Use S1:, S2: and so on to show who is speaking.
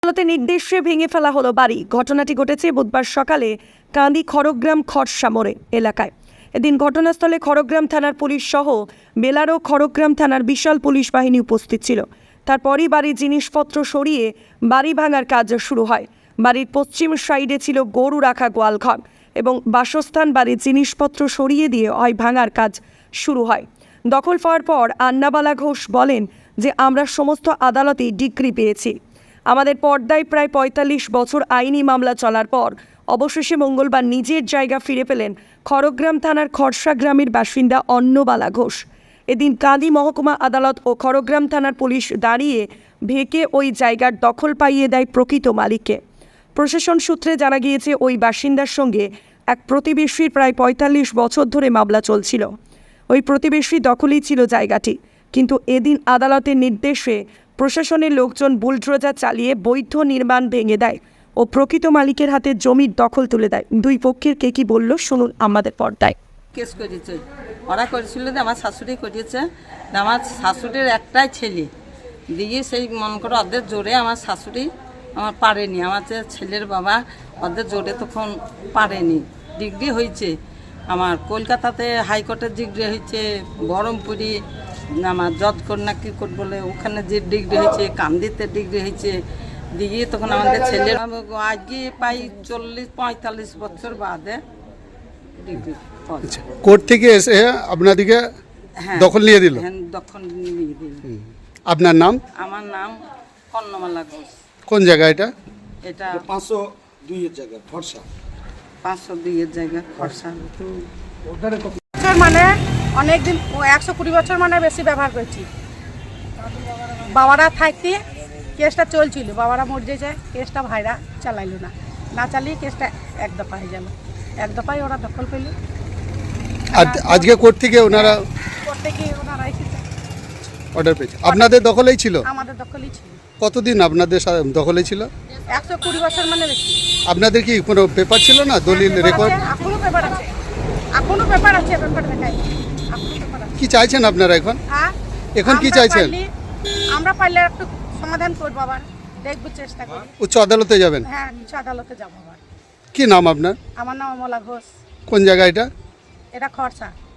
S1: আদালতের নির্দেশে ভেঙে ফেলা হলো বাড়ি। ঘটনাটি ঘটেছে বুধবার সকালে কান্দি খড়গ্রাম খরসা মোড়ে এলাকায়। এদিন ঘটনাস্থলে খড়গ্রাম থানার পুলিশ সহ বেলার ও খড়গ্রাম থানার বিশাল পুলিশ বাহিনী উপস্থিত ছিল। তারপরই বাড়ির জিনিসপত্র সরিয়ে বাড়ি ভাঙার কাজ শুরু হয়। বাড়ির পশ্চিম সাইডে ছিল গরু রাখা গোয়ালঘর এবং বাসস্থান। বাড়ির জিনিসপত্র সরিয়ে দিয়ে ভাঙার কাজ শুরু হয়। দখল পাওয়ার পর আন্নাবালা ঘোষ বলেন যে আমরা সমস্ত আদালতেই ডিগ্রি পেয়েছি। আমাদের পর্দায় প্রায় ৪৫ বছর আইনি মামলা চলার পর অবশেষে মঙ্গলবার নিজের জায়গা ফিরে পেলেন খড়গ্রাম থানার খরসা গ্রামের বাসিন্দা অন্নবালা ঘোষ। এদিন কান্দি মহকুমা আদালত ও খড়গ্রাম থানার পুলিশ দাঁড়িয়ে ভেকে ওই জায়গার দখল পাইয়ে দেয় প্রকৃত মালিককে। প্রশাসন সূত্রে জানা গিয়েছে ওই বাসিন্দার সঙ্গে এক প্রতিবেশীর প্রায় ৪৫ বছর ধরে মামলা চলছিল। ওই প্রতিবেশী দখলেই ছিল জায়গাটি, কিন্তু এদিন আদালতের নির্দেশে প্রশাসনের লোকজন বুলডোজার চালিয়ে বৈধ নির্মাণ ভেঙে দেয় ও প্রকৃত মালিকের হাতে জমির দখল তুলে দেয়। দুই পক্ষের কে কি বলল শুনুন আমাদের পর্দায়।
S2: কেস করেছে, ওরা করেছিল যে আমার শাশুড়ি করেছে। আমার শাশুড়ির একটাই ছেলে দিয়ে সেই মন করে ওদের জোরে আমার শাশুড়ি আমার পারেনি। আমার যে ছেলের বাবা ওদের জোরে তখন পারেনি। ডিগ্রি হয়েছে আমার কলকাতাতে হাইকোর্টের ডিগ্রি হয়েছে, বহরমপুরি আমার জজকোট না কি কোর্ট বলে ওখানে যে ডিগ্রি হয়েছে, কান্দিতে ডিগ্রি হয়েছে দিয়ে তখন আমাদের ছেলের আজকে প্রায় ৪০-৪৫ বছর বাদে ডিগ্রি।
S3: কোর্ট থেকে এসে আপনাদেরকে দখল নিয়ে দিল?
S2: হ্যাঁ, দখল নিয়ে দিল।
S3: আপনার নাম?
S2: আমার নাম অন্নমালা ঘোষ।
S3: কোন জায়গা এটা?
S2: এটা
S4: 502 এর জায়গা খরসা।
S2: 502 এর জায়গা খরসা।
S5: মানে অনেকদিন 120 বছর মানে বেশি ব্যবহার করছি। বাবারা থাকতে কেসটা চলছিল, বাবারা মরে যায়, কেসটা ভাইরা চালাইল না চালিয়ে কেসটা এক দফায় গেল। এক দফায় ওরা দখল পেল।
S3: আজকে কোর্ট থেকে ওনারা
S5: এসেছে,
S3: অর্ডার পেয়েছে। আপনাদের দখলেই ছিল?
S5: আমাদের দখলই ছিল।
S3: কতদিন আপনাদের দখলে ছিল?
S5: 120 বছর মানে বেশি।
S3: আপনাদের কি কোনো পেপার ছিল না, দলিল রেকর্ড?
S5: এখনো পেপার আছে, এখনো পেপার আছে, পেপার দেখাই।
S3: কি চাইছেন আপনারা এখন? এখন কি চাইছেন?
S5: আমরা পারলে একটু সমাধান করব, আবার দেখব, চেষ্টা করি।
S3: উচ্চ আদালতে যাবেন?
S5: হ্যাঁ, উচ্চ আদালতে যাব আবার।
S3: কি নাম আপনার?
S5: আমার নাম অমলা ঘোষ।
S3: কোন জায়গা এটা?
S5: এটা খরসা।